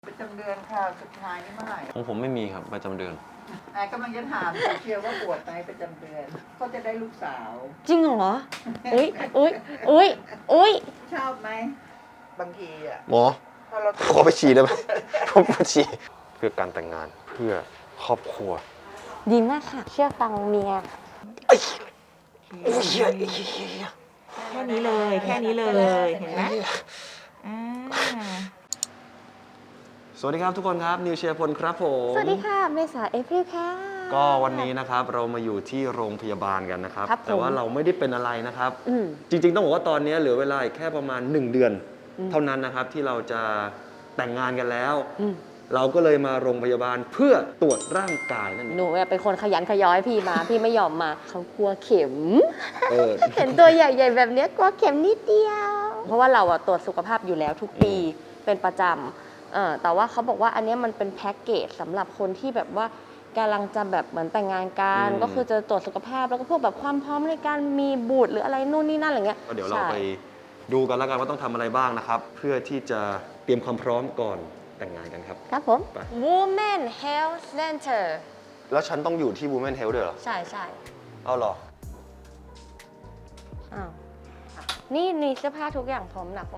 ประจำเดือนค่ะสุดท้ายนี่เมื่อไหร่ของผมไม่มีครับประจำเดือนกำลังจะถามเชียร์ว่าปวดไหมประจำเดือนก็จะได้ลูกสาวจริงเหรออุ้ยอุ้ยอุ้ยอุ้ยชอบไหมบางทีอ่ะหมอพอเราขอไปฉี่ได้ไหมขอไปฉี่เพื่อการแต่งงานเพื่อครอบครัวดีมากค่ะเชื่อฟังเมียแค่นี้เลยแค่นี้เลยเห็นไหมสวัสดีครับทุกคนครับนิวเชียร์พลครับผมสวัสดีค่ะเมษาเอพริลค่ะก็วันนี้นะครับเรามาอยู่ที่โรงพยาบาลกันนะครับครับแต่ว่าเราไม่ได้เป็นอะไรนะครับจริงๆต้องบอกว่าตอนนี้เหลือเวลาอีกแค่ประมาณ1 เดือนเท่านั้นนะครับที่เราจะแต่งงานกันแล้วเราก็เลยมาโรงพยาบาลเพื่อตรวจร่างกายนั่นเองหนูเป็นคนขยันขย้อยพี่มา พี่ไม่ยอมมาเขากลัวเข็มเออเห็นตัวใหญ่ๆแบบเนี้ยกลัวเข็มนิดเดียว เพราะว่าเราตรวจสุขภาพอยู่แล้วทุกปีเป็นประจำแต่ว่าเขาบอกว่าอันนี้มันเป็นแพ็กเกจสำหรับคนที่แบบว่ากำลังจะแบบเหมือนแต่งงานกันก็คือจะตรวจสุขภาพแล้วก็พวกแบบความพร้อมในการมีบุตรหรืออะไรนู่นนี่นั่นอะไรเงี้ยก็เดี๋ยวเราไปดูกันแล้วกันว่าต้องทำอะไรบ้างนะครับเพื่อที่จะเตรียมความพร้อมก่อนแต่งงานกันครับครับผม Women Health Center แล้วฉันต้องอยู่ที่ Women Health ด้วยเหรอใช่ใช่เอาเหรออ้าวนี่เสื้อผ้าทุกอย่างพร้อมหนัก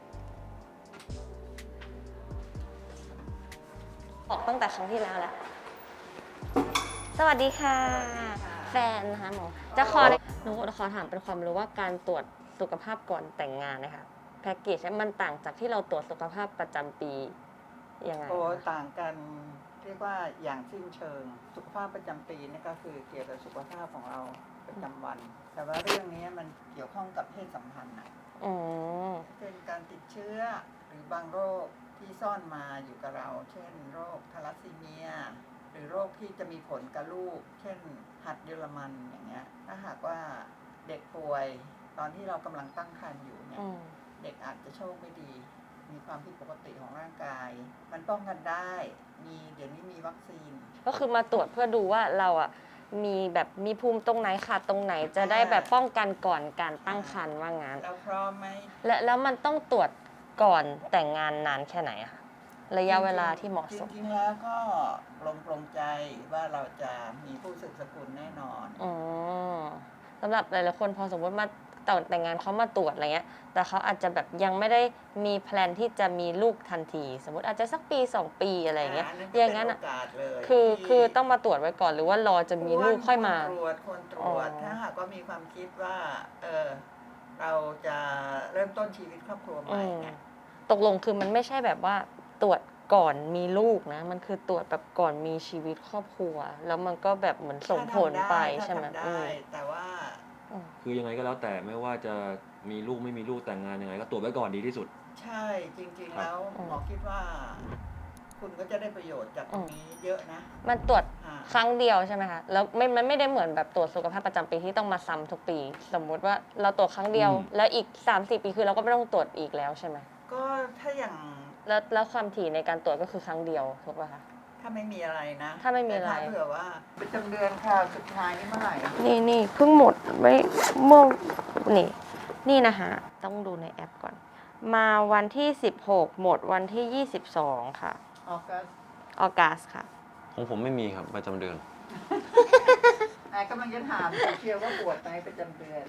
ออกตั้งแต่ครั้งที่แล้วแหละสวัสดีค่ะแฟนนะคะหมอจะหนูขอถามเป็นความรู้ว่าการตรวจสุขภาพก่อนแต่งงานนะคะแพ็กเกจมันต่างจากที่เราตรวจสุขภาพประจำปียังไงโอ้ต่างกันเรียกว่าอย่างสิ้นเชิงสุขภาพประจำปีนี่ก็คือเกี่ยวกับสุขภาพของเราประจำวัน แต่ว่าเรื่องนี้มันเกี่ยวข้องกับเพศสัมพันธ์นะเช่นการติดเชื้อหรือบางโรคที่ซ่อนมาอยู่กับเรา เช่นโรคทาลัสซีเมียหรือโรคที่จะมีผลกับลูกเช่นหัดเยอรมันอย่างเงี้ยถ้าหากว่าเด็กป่วยตอนที่เรากำลังตั้งครรภ์อยู่เนี่ยเด็กอาจจะโชคไม่ดีมีความผิดปกติของร่างกายมันป้องกันได้เดี๋ยวนี้มีวัคซีนก็คือมาตรวจเพื่อดูว่าเรามีภูมิตรงไหนขาดตรงไหนจะได้แบบป้องกันก่อนการตั้งครรภ์ว่างั้นเราพร้อมไหมแล้วมันต้องตรวจก่อนแต่งงานนานแค่ไหนอะระยะเวลาที่เหมาะสมจริงๆแล้วก็ปรงใจว่าเราจะมีผู้สืบสกุลแน่นอนสำหรับหลายๆคนพอสมมติมาแต่งงานเขามาตรวจอะไรเงี้ยแต่เขาอาจจะแบบยังไม่ได้มีแพลนที่จะมีลูกทันทีสมมติอาจจะสักปี2 ปีอะไรเงี้ยอย่างนั้นคือต้องมาตรวจไว้ก่อนหรือว่ารอจะมีลูกค่อยมาคนตรวจถ้าหากว่ามีความคิดว่าเราจะเริ่มต้นชีวิตครอบครัวใหม่เนี่ยตกลงคือมันไม่ใช่แบบว่าตรวจก่อนมีลูกนะมันคือตรวจแบบก่อนมีชีวิตครอบครัวแล้วมันก็แบบเหมือนส่งผลไปใช่ไหมแต่ว่าคือยังไงก็แล้วแต่ไม่ว่าจะมีลูกไม่มีลูกแต่งงานยังไงก็ตรวจไว้ก่อนดีที่สุดใช่จริงๆแล้วหมอคิดว่าคุณก็จะได้ประโยชน์จากตรงนี้เยอะนะมันตรวจครั้งเดียวใช่ไหมคะแล้วมันไม่ได้เหมือนแบบตรวจสุขภาพประจำปีที่ต้องมาซ้ำทุกปีสมมุติว่าเราตรวจครั้งเดียวแล้วอีก 3-4 ปีคือเราก็ไม่ต้องตรวจอีกแล้วใช่ไหมก็ถ้าอย่างแล้วความถี่ในการตรวจก็คือครั้งเดียวถูกป่ะคะถ้าไม่มีอะไรนะถ้าไม่มีอะไรเผื่อว่าประจำเดือนค่ะสุดท้ายนี่เมื่อไหร่นี่เพิ่งหมดไม่เมื่อนี่นะคะต้องดูในแอปก่อนมาวันที่16หมดวันที่22ค่ะออกัสค่ะของผมไม่มีครับประจำเดือนกำลังจะถามเชียร์ว่าปวดไหมประจำเดือน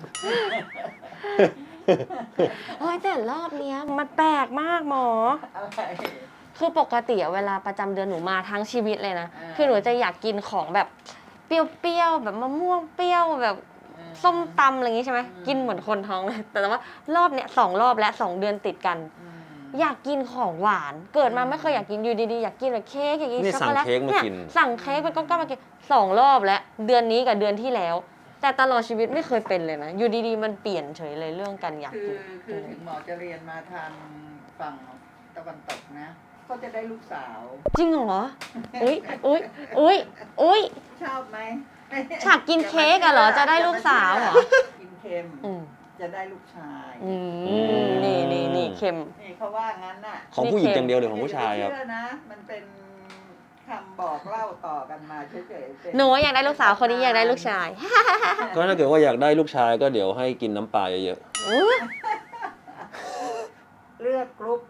แต่รอบเนี้ยมันแปลกมากหมอคือปกติเวลาประจำเดือนหนูมาทั้งชีวิตเลยนะคือหนูจะอยากกินของแบบเปรี้ยวๆแบบมะม่วงเปรี้ยวแบบส้มตำอะไรอย่างงี้ใช่ไหมกินเหมือนคนท้องเลยแต่ว่ารอบเนี้ย2 รอบและ2 เดือนติดกันอยากกินของหวานเกิดมาไม่เคยอยากกินอยู่ดีๆอยากกินแบบเค้กอยากกินช็อกโกแลตเนี่ยสั่งเค้กเป็นก้อนๆมากิน2 รอบแล้วเดือนนี้กับเดือนที่แล้วแต่ตลอดชีวิตไม่เคยเป็นเลยนะอยู่ดีๆมันเปลี่ยนเฉยเลยเรื่องการอยากกินคือถึงหมอจะเรียนมาทางฝั่งตะวันตกนะก็จะได้ลูกสาวจริงเหรอชอบไหมฉากกินเค้กอะเหรอจะได้ลูกสาวเหรอกินเค็มจะได้ลูกชายนี่เค็มนี่เขาว่างั้นน่ะของผู้หญิงอย่างเดียวหรือของผู้ชายครับเชื่อนะมันเป็นคำบอกเล่าต่อกันมาเฉยๆหนูอยากได้ลูกสาวคนนี้อยากได้ลูกชายก็ถ้าเกิดว่าอยากได้ลูกชายก็เดี๋ยวให้กินน้ำปลาเยอะๆเลือกกรุ๊ปค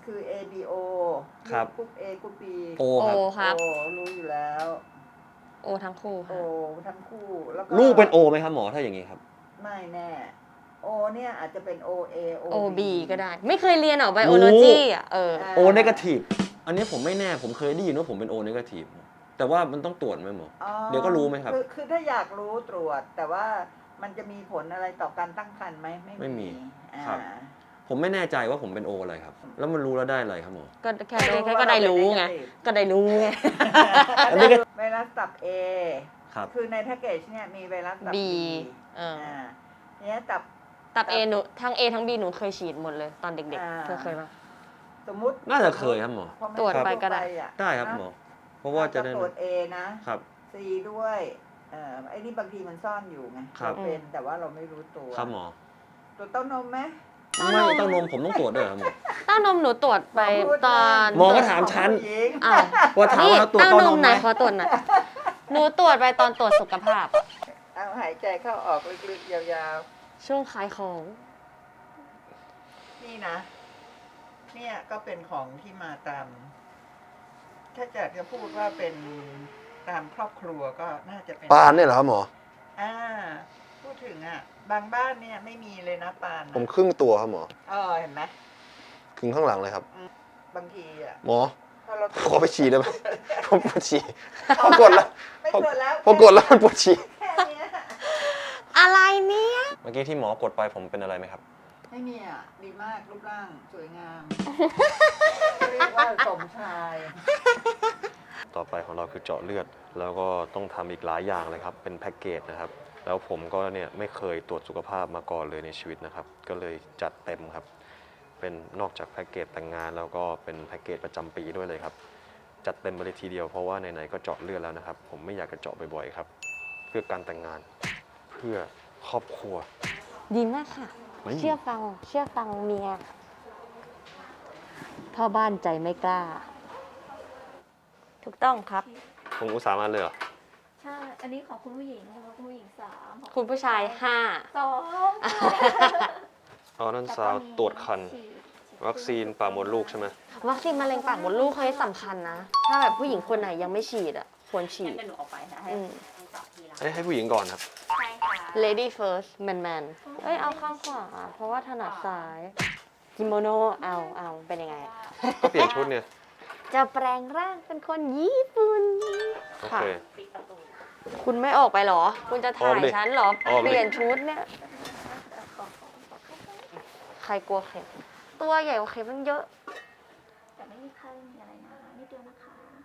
คือ ABO ครับกรุ๊ป A กรุ๊ป B โอครับโอครับโอรู้อยู่แล้วโอทั้งคู่โอค่ะทั้งคู่แล้วก็ลูกเป็นโอไหมครับหมอถ้าอย่างนี้ครับไม่แน่ โอเนี่ยอาจจะเป็น OA โอ OB บีก็ได้ ไม่เคยเรียนหรอไบโอโลจีอ่ะอ่เออโอเนกาทีฟอันนี้ผมไม่แน่ผมเคยได้ยินว่าผมเป็นโอเนกาทีฟแต่ว่ามันต้องตรวจไหมหมออ๋อเดี๋ยวก็รู้ไหมครับคือถ้าอยากรู้ตรวจ แต่ว่ามันจะมีผลอะไรต่อการตั้งครรภ์ไหมไม่มีอ่าครับ ผมไม่แน่ใจว่าผมเป็นโออะไรครับ แล้วมันรู้แล้วได้อะไรครับหมอก็แค่ก็ได้รู้ไง ก็ได้รู้ไงอันนี้ก็ไวรัสตับ A ครับคือในแพ็กเกจเนี่ยมีไวรัสตับ B B อ่าเนี่ยตับตับ A หนูทั้ง A ทั้ง B หนูเคยฉีดหมดเลยตอนเด็กอ่าๆ เธอเคยปะสมมุติน่าจะเคยครับหมอพอมันตรวจไปก็ได้อะได้ครับหมอ เพราะว่าจะได้ตรวจ A นะครับ C ด้วยไอ้นี่บางทีมันซ่อนอยู่ไงครับเราเป็นแต่ว่าเราไม่รู้ตัวครับหมอตรวจเต้านมไหมไม่เต้านมผมต้องตรวจด้วยเหรอครับหมอเต้านมหนูตรวจไปตอนหมอก็ถามฉันผู้หญิงอ้าวว่าถามว่าเราตรวจเต้าเต้าน นมมไหไหนมขอตรวจหน่อยหนูตรวจไปตอนตรวจสุขภาพเอาหายใจเข้าออกลึกๆยาวช่วงขายของๆ นี่นะ เนี่ยก็เป็นของที่มาตาม ถ้าจะพูดว่าเป็นตามครอบครัวก็น่าจะเป็นปานเนี่ยเหรอครับหมอพูดถึงบางบ้านเนี่ยไม่มีเลยนะปานผมครึ่งตัวครับหมอเห็นไหมครึ่งข้างหลังเลยครับบางทีหมอพอเราขอไปฉี่ได้ไหมผมปวดฉี่พอกดแล้วไม่ตรวจแล้วพอกดแล้วมันปวดฉี่แค่เนี้ยอะไรเนี่ยเมื่อกี้ที่หมอกดไปผมเป็นอะไรไหมครับไม่มีดีมากรูปร่างสวยงาม เรียกว่าสมชายต่อไปของเราคือเจาะเลือด แล้วก็ต้องทำอีกหลายอย่างเลยครับ เป็นแพ็กเกจนะครับ แล้วผมก็เนี่ยไม่เคยตรวจสุขภาพมาก่อนเลยในชีวิตนะครับ ก็เลยจัดเต็มครับ เป็นนอกจากแพ็กเกจแต่งงานแล้วก็เป็นแพ็กเกจประจำปีด้วยเลยครับ จัดเต็มไปเลยทีเดียวเพราะว่าไหนๆก็เจาะเลือดแล้วนะครับ ผมไม่อยากจะเจาะบ่อยๆครับ เพื่อการแต่งงาน เพื่อครอบครัวดีมากค่ะไม่เชื่อฟังเมียพ่อบ้านใจไม่กล้า ถูกต้องครับผมอุตส่าห์มาเลยเหรอใช่ อันนี้ของคุณผู้หญิงของคุณผู้หญิง3ของคุณผู้ชาย 2 ออนั่นซาวตรวจคัน วัคซีนปากมดลูกใช่ไหม 5 วัคซีนมะเร็งปากมดลูกเขาให้สำคัญนะ ถ้าแบบผู้หญิงคนไหนยังไม่ฉีดอ่ะ ควรฉีดเดี๋ยวหนูออกไปนะให้อืมต่อทีละให้ผู้หญิงก่อนครับใช่ค่ะ lady first man man เอ้ย เอาข้างขวา เพราะว่าถนัดซ้ายกิโมโนเอาเป็นยังไงอะก็เปลี่ยนชุดเนี่ยจะแปลงร่างเป็นคนญี่ปุ่นโอค่ะเคปิดประตูคุณไม่ออกไปเหรอ คุณจะถ่ายออกดิฉันเหรอออกดิเปลี่ยนชุดเนี่ย ใครกลัวเข็ม ตัวใหญ่กว่าเข็มมันเยอะแต่ไม่มีไข้ไม่มีอะไรนะนิดเดียวนะคะ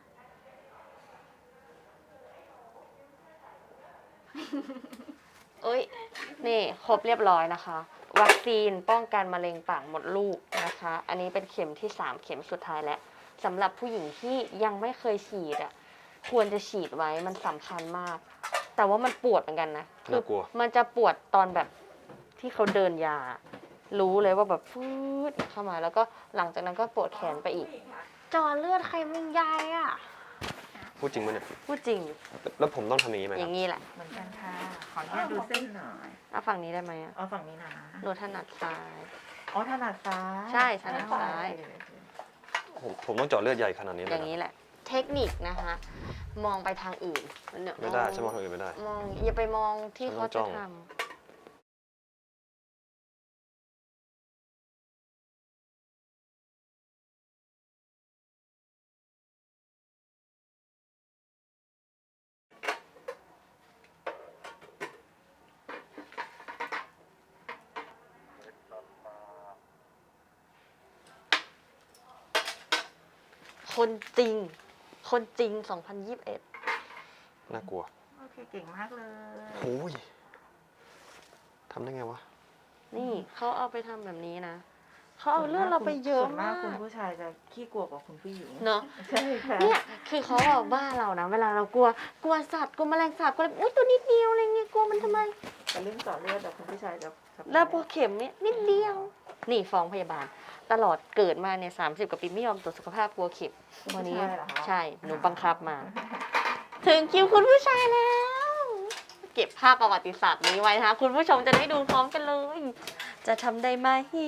เอ้ย นี่ครบเรียบร้อยนะคะ วัคซีนป้องกันมะเร็งปากมดลูกนะคะ อันนี้เป็นเข็มที่ 3 เข็มสุดท้ายแล้วสำหรับผู้หญิงที่ยังไม่เคยฉีดอ่ะ ควรจะฉีดไว้มันสำคัญมาก แต่ว่ามันปวดเหมือนกันนะคืน่ากลัวมันจะปวดตอนแบบที่เขาเดินยา รู้เลยว่าแบบฟืดเข้ามา แล้วก็หลังจากนั้นก็ปวดแขนไปอีก จอเลือดใครมันยายอ่ะพูดจริงปะเนี่ยพูดจริงแล้วผมต้องทำอย่างนี้ไหมอครับย่างนี้แหละเหมือนกันค่ะ ขออนุญาตดูเส้นหน่อยเอาฝั่งนี้ได้ไหมอ่ะเอาฝั่งนี้นะหนูถนัดซ้ายอ๋อถนัดซ้ายใช่ถนัดซ้ายผมต้องเจาะเลือดใหญ่ขนาดนี้เลอย ย่างนี้แหละ เทคนิคนะคะ มองไปทางอื่นเนี่ยไม่ได้ใช่ไหมองทางอื่นไม่ได้มองอย่าไปมองที่ฉันต้เขาองจ้จะองทำคนจริง คนจริง 2021 น่ากลัวโอเคเก่งมากเลยโอ้ยทำได้ไงวะนี่เขาเอาไปทำแบบนี้นะ เขาเอาเลือดเราไปเยอะส่วนมากคุณผู้ชายจะขี้กลัวกว่าคุณผู้หญิงเนาะใช่ค่ะเนี่ยคือเขาบอกบ้าเรานะ เวลาเรากลัวสัตว์กลัวแมลงสาบกลัวอะไรอุ้ยตัวนิดเดียวอะไรเงี้ยกลัวมันทำไมแต่เรื่องเจาะเลือดแต่คุณผู้ชายจะแล้วพอเข็มเนี่ยนิดเดียว นี่ฟ้องพยาบาล ตลอดเกิดมาเนี่ย30 กว่าปีไม่ยอมตรวจสุขภาพกลัวเข็มวันนี้ใช่หนูบังคับมา ถึงคิวคุณผู้ชายแล้ว เก็บภาพประวัติศาสตร์นี้ไว้นะคะคุณผู้ชมจะได้ดูพร้อมกันเลย จะทำได้ไหม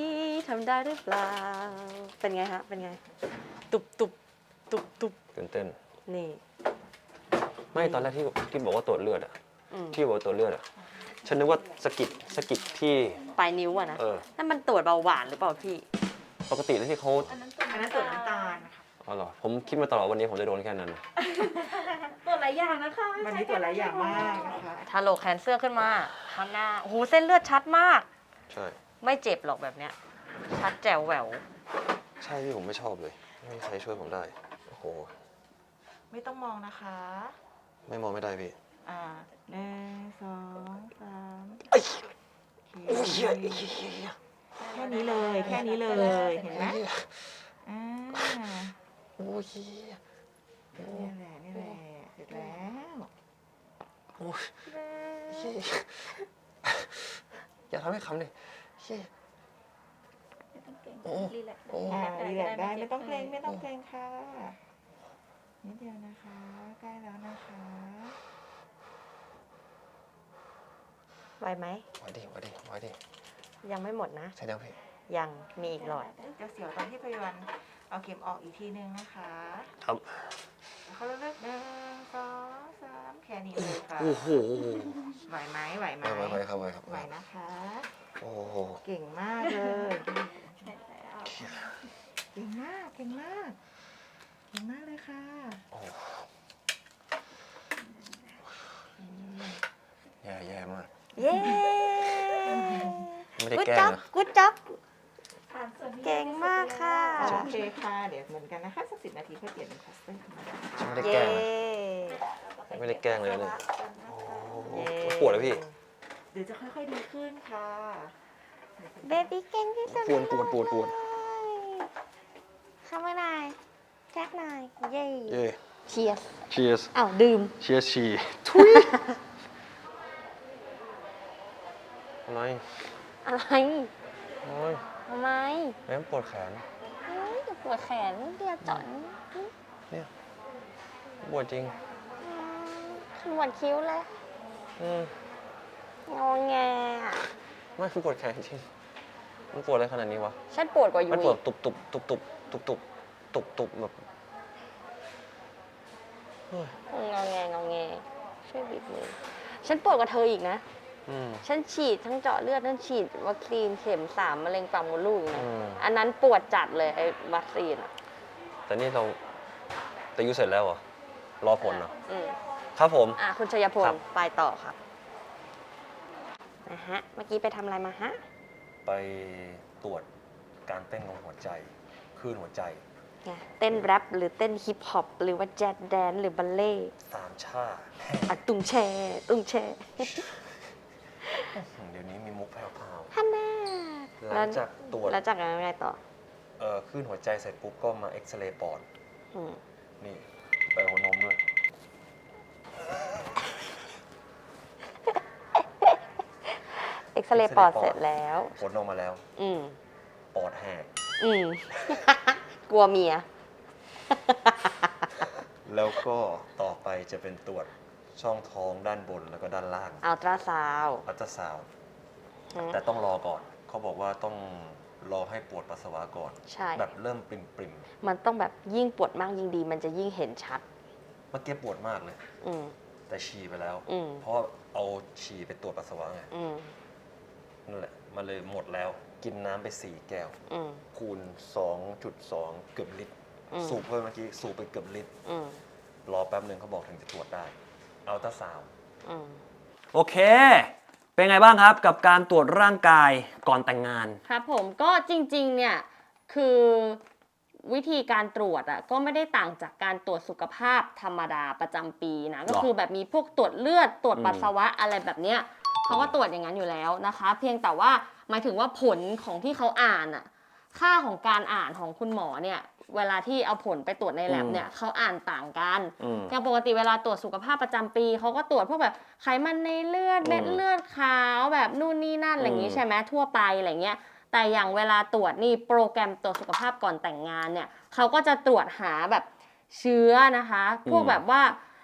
ทำได้หรือเปล่าเป็นไงฮะเป็นไงตุบตุบตุบตุบตื่นเต้นนี่ไม่ตอนแรกที่บอกว่าตรวจเลือดอะอืมที่บอกว่าตรวจเลือดอะฉันนึกว่าสะกิดที่ปลายนิ้วอะนะ นั่นมันตรวจเบาหวานหรือเปล่าพี่ปกติแล้วที่เขาอันนั้นอันนั้นตรวจน้ำตาลค่ะอ๋อเหรอผมคิดมาตลอดวันนี้ผมจะโดนแค่นั้นตรวจหลายอย่างนะคะวันนี้ตรวจหลายอย่างมากนะคะถ้าโหลกแคนเซอร์ขึ้นมาข้างหน้าโอ้โหเส้นเลือดชัดมากใช่ไม่เจ็บหรอกแบบเนี้ย ชัดแจ๋วแหววใช่พี่ผมไม่ชอบเลย ไม่มีใครช่วยผมได้โอ้โหไม่ต้องมองนะคะไม่มองไม่ได้พี่ 1 2 3 ไอ้โอเคแค่นี้เลย แค่นี้เลย เห็นไหมอ่าโอ้ยนี่แหละ นี่แหละ เสร็จแล้วโอ้ยอย่าทำให้คำดิไม่ต้องเก่งโอ้รีแลกซ์โอ้รีแลกซ์ได้ ไม่ต้องเกรง ไม่ต้องเกรงค่ะนิดเดียวนะคะ ใกล้แล้วนะคะไหวไหมไว้ดิยังไม่หมดนะใช่แล้วพี่ยังมีอีกหลอดจะเสียวตอนที่พยาบาลเอาเข็มออกอีกทีนึงนะคะครับเขาเลือก1 2 3แค่นี้เลยค่ะโอ้โหไหวไหมไหวไหมไว้ครับไหวนะคะโอ้โหเก่งมากเลยใช่แล้วเก่งมาก เก่งมาก เก่งมากเลยค่ะแย่มากเย้ไม่ได้กู๊ดแกล้งจ็อบนะกู๊ดจ็อบผ่านส่วนที่เก่งมากค่ะโอเคค่ะ เดี๋ยวเหมือนกันนะคะ สัก10 นาทีค่อยเปลี่ยนเป็นพลาสเตอร์ธรรมดาฉันไม่ได้แกเย้ล้งนะไม่ได้แกล้งเลยเนี่ยโอ้โหปวดเลยพี่เดี๋ยวจะค่อยๆดีขึ้นค่ะเบบี้เก่งที่สุดปวดเข้ามาหน่อยแจ็คหน่อย เย้เย้เชียร์ cheers อ้าวดื่ม cheers ชีอะไรอะไรโอ้ยทำไมแม่งปวดแขนเฮ้ยปวดแขนเดียวจอนเนี่ยปวดจริงปวดคิ้วเลยอืมงอแงอะไม่คือปวดแขนจริง มันปวดอะไรขนาดนี้วะฉันปวดกว่ายูมันปวดอีกตุบแบบเฮ้ยงอแงช่วยบิดมือฉันปวดกว่าเธออีกนะอืมฉันฉีดทั้งเจาะเลือดทั้งฉีดวัคซีนเข็ม3มะเร็งปากมดลูกอีกนะอืมอันนั้นปวดจัดเลยไอ้วัคซีนอ่ะแต่นี่แต่ยูเสร็จแล้วเหรอ รอผลเหรออืมครับผมคุณชัยพลครับไปต่อครับนะฮะ เมื่อกี้ไปทำอะไรมาฮะไปตรวจการเต้นของหัวใจคลื่นหัวใจไงเต้นแรปหรือเต้นฮิปฮอปหรือว่าแจ๊สแดนซ์หรือบัลเล่ต์สามชาอะตุ้งแช่ตุ้งแช่เดี๋ยวนี้มีมุกแผ่วฮันน่าๆหลังจากตรวจแล้วจากนั้นไงต่อคลื่นหัวใจเสร็จปุ๊บก็มาเอ็กซเรย์ปอดอืมนี่ไปหัวนมด้วยเอ็กซเรย์ปอดเสร็จแล้วผลออกมาแล้วอืมปอดแหกอืม กลัวเมียแล้วก็ต่อไปจะเป็นตรวจช่องท้องด้านบนแล้วก็ด้านล่างอัลตราซาวด์อัลตราซาวด์แต่ต้องรอก่อน เขาบอกว่าต้องรอให้ปวดปัสสาวะก่อนใช่แบบเริ่มปริมมันต้องแบบยิ่งปวดมากยิ่งดี มันจะยิ่งเห็นชัดๆเมื่อกี้ปวดมากเลยอืมแต่ฉี่ไปแล้วอืมเพราะเอาฉี่ไปตรวจปัสสาวะไงอืมนั่นแหละมันเลยหมดแล้ว กินน้ำไป4 แก้วอืมคูณ 2.2 เกือบลิตรอืมสูบเพิ่มเมื่อกี้สูบไปเกือบลิตรอืมรอแป๊บหนึ่งเขาบอกถึงจะตรวจได้ อัลตราซาวด์อืมโอเค เป็นไงบ้างครับกับการตรวจร่างกายก่อนแต่งงานครับผมก็จริงๆเนี่ยคือวิธีการตรวจอ่ะก็ไม่ได้ต่างจากการตรวจสุขภาพธรรมดาประจำปีนะก็คือแบบมีพวกตรวจเลือดตรวจปัสสาวะอะไรแบบเนี้ยเขาก็ตรวจอย่างนั้นอยู่แล้วนะคะ เพียงแต่ว่าหมายถึงว่าผลของที่เขาอ่านอ่ะค่าของการอ่านของคุณหมอเนี่ยเวลาที่เอาผลไปตรวจในแลบเนี่ยเขาอ่านต่างกัน อย่างปกติเวลาตรวจสุขภาพประจำปีเขาก็ตรวจพวกแบบไขมันในเลือดเม็ดเลือดขาวแบบนู่นนี่นั่นอะไรอย่างนี้ใช่ไหมทั่วไปอะไรเงี้ยแต่อย่างเวลาตรวจนี่โปรแกรมตรวจสุขภาพก่อนแต่งงานเนี่ยเขาก็จะตรวจหาแบบเชื้อนะคะพวกแบบว่า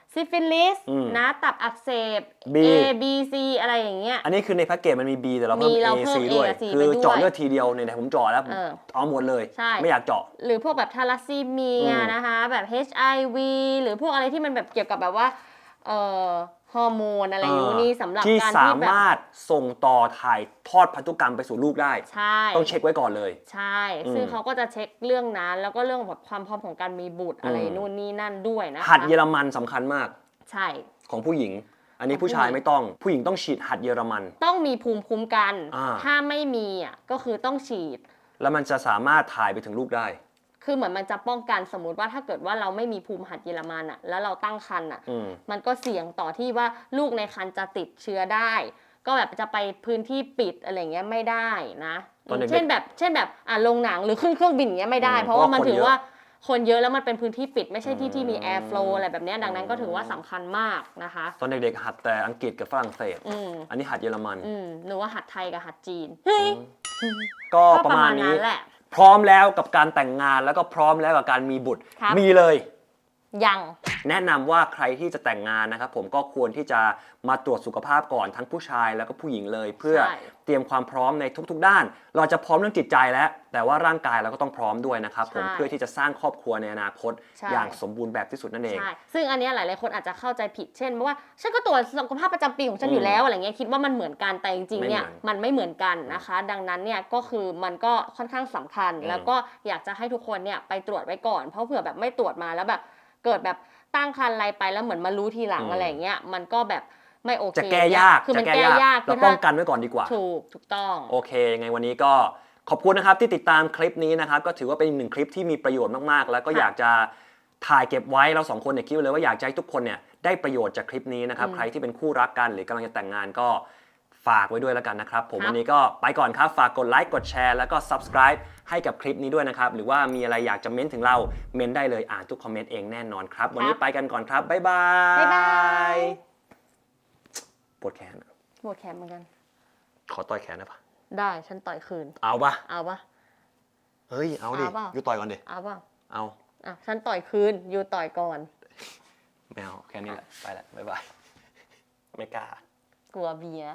ซิฟิลิสอืมนะตับอักเสบ B A B C อะไรอย่างเงี้ยอันนี้คือในแพ็กเกจมันมี B แต่เราเพิ่มมี A เราเพิ่ม C ด้วย A กับ C คือไปด้วยเจาะเลือดทีเดียวเนี่ยผมเจาะแล้วผมเออเอาหมดเลยใช่ไม่อยากเจาะหรือพวกแบบทาลัสซีเมียอืมนะคะแบบ HIV หรือพวกอะไรที่มันแบบเกี่ยวกับแบบว่าฮอร์โมนอะไรอยู่นี่สำหรับที่การสาที่แบบมารถส่งต่อถ่ายทอดพันธุกรรมไปสู่ลูกได้ใช่ต้องเช็คไว้ก่อนเลยใช่อืมซึ่งเขาก็จะเช็คเรื่องนั้นแล้วก็เรื่องแบบความพร้อมของการมีบุตรอะไรอืมนู่นนี่นั่นด้วยนะคะหัดเยอรมันสำคัญมากใช่ของผู้หญิง อันนี้ของผู้ผู้ชายหญิงไม่ต้อง ผู้หญิงต้องฉีดหัดเยอรมันต้องมีภูมิคุ้มกันอ่าถ้าไม่มีอ่ะก็คือต้องฉีดแล้วมันจะสามารถถ่ายไปถึงลูกได้คือเหมือนมันจะป้องกันสมมติว่าถ้าเกิดว่าเราไม่มีภูมิหัดเยอรมันอ่ะแล้วเราตั้งครรภ์อ่ะอืมมันก็เสี่ยงต่อที่ว่าลูกในครรภ์จะติดเชื้อได้ ก็แบบจะไปพื้นที่ปิดอะไรเงี้ยไม่ได้นะตอนเด็กๆเช่นแบบโรงหนังหรือขึ้นเครื่องบินอย่างเงี้ยไม่ได้อืมเพราะว่ามันเพราะว่าถือคนเยอะว่าคนเยอะแล้วมันเป็นพื้นที่ปิด ไม่ใช่ที่ที่มีอืมแอร์ฟลูอะไรแบบเนี้ยดังนั้นก็ถือว่าสำคัญมากนะคะตอนเด็กๆหัดแต่อังกฤษกับฝรั่งเศสอืมอันนี้หัดเยอรมันหนูว่าหัดไทยกับหัดจีนก็ประมาณนี้แหละพร้อมแล้วกับการแต่งงานแล้วก็พร้อมแล้วกับการมีบุตรครับมีเลยยังแนะนำว่าใครที่จะแต่งงานนะครับผมก็ควรที่จะมาตรวจสุขภาพก่อนทั้งผู้ชายแล้วก็ผู้หญิงเลย เพื่อใช่เตรียมความพร้อมในทุกๆด้าน เราจะพร้อมเรื่องจิตใจแล้ว แต่ว่าร่างกายเราก็ต้องพร้อมด้วยนะครับผมใช่เพื่อที่จะสร้างครอบครัวในอนาคตใช่อย่างสมบูรณ์แบบที่สุดนั่นเองใช่ ซึ่งอันเนี้ยหลายๆคนอาจจะเข้าใจผิด เช่นว่าฉันก็ตรวจสุขภาพประจำปีของฉันอยู่แล้วอะไรเงี้ยคิดว่ามันเหมือนกันแต่จริงๆเนี่ยไม่เหมือนมันไม่เหมือนกันนะคะ ดังนั้นเนี่ยก็คือมันก็ค่อนข้างสำคัญ แล้วก็อยากจะให้ทุกคนเนี่ยไปตรวจไว้ก่อนเพราะเผื่อแบบไม่ตรวจมาแล้วแบบเกิดแบบตั้งครรภ์อะไรไปแล้วเหมือนมารู้ทีหลังอะไรเงี้ยมันก็แบบไม่โอเคจะแก้ยากคือมันจะแก้ยากเราป้องกันไว้ก่อนดีกว่าถูกต้องโอเคยังไงวันนี้ก็ขอบคุณนะครับที่ติดตามคลิปนี้นะครับ ก็ถือว่าเป็นอีกหนึ่งคลิปที่มีประโยชน์มากๆ แล้วก็ค่ะอยากจะถ่ายเก็บไว้เราสองคนเนี่ยคิดไว้เลยว่าอยากจะให้ทุกคนเนี่ยได้ประโยชน์จากคลิปนี้นะครับ ใครที่เป็นคู่รักกันหรือกำลังจะแต่งงานก็ฝากไว้ด้วยแล้วกันนะครับ ผมครับวันนี้ก็ไปก่อนครับฝากกดไลค์กดแชร์แล้วก็ subscribe ให้กับคลิปนี้ด้วยนะครับหรือว่ามีอะไรอยากจะเม้นถึงเราเม้นได้เลยอ่านทุกคอมเมนต์เองแน่นอนครับวันนี้ไปกันก่อนครับบ๊ายบายบ๊ายบายปวดแขนอะหมดแคมเหมือนกันขอต่อยแขนได้ปะได้ฉันต่อยคืนเอาปะเอาปะเฮ้ยเอาดิเอาเปล่ายูต่อยก่อนดิเอาปะเอาอ่ะฉันต่อยคืนอยู่ต่อยก่อนไม่เอาแค่นี้แหละ ไปละบ๊ายบาย ไม่กล้ากลัวเบียร์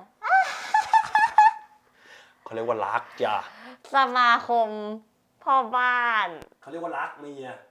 เขาเรียกว่ารักจ้ะสมาคมพ่อบ้านเขาเรียกว่ารักเมีย